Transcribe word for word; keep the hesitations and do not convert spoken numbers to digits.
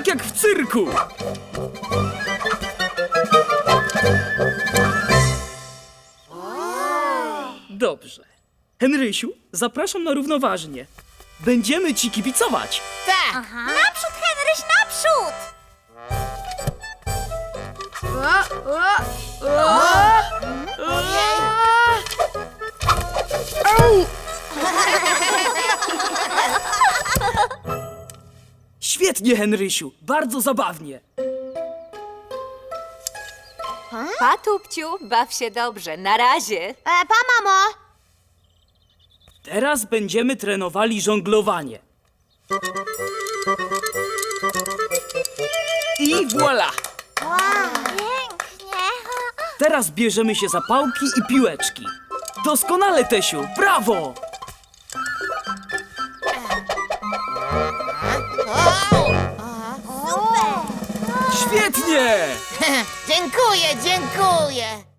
tak jak w cyrku! Dobrze. Henrysiu, zapraszam na równoważnie. Będziemy ci kibicować. Tak! Naprzód, Henryś, naprzód! Świetnie, Henrysiu. Bardzo zabawnie. Pa, Tupciu, baw się dobrze. Na razie. E, pa, mamo! Teraz będziemy trenowali żonglowanie. I voilà! Pięknie! Teraz bierzemy się za pałki i piłeczki. Doskonale, Tesiu! Brawo! Super! Świetnie! Dziękuję, dziękuję!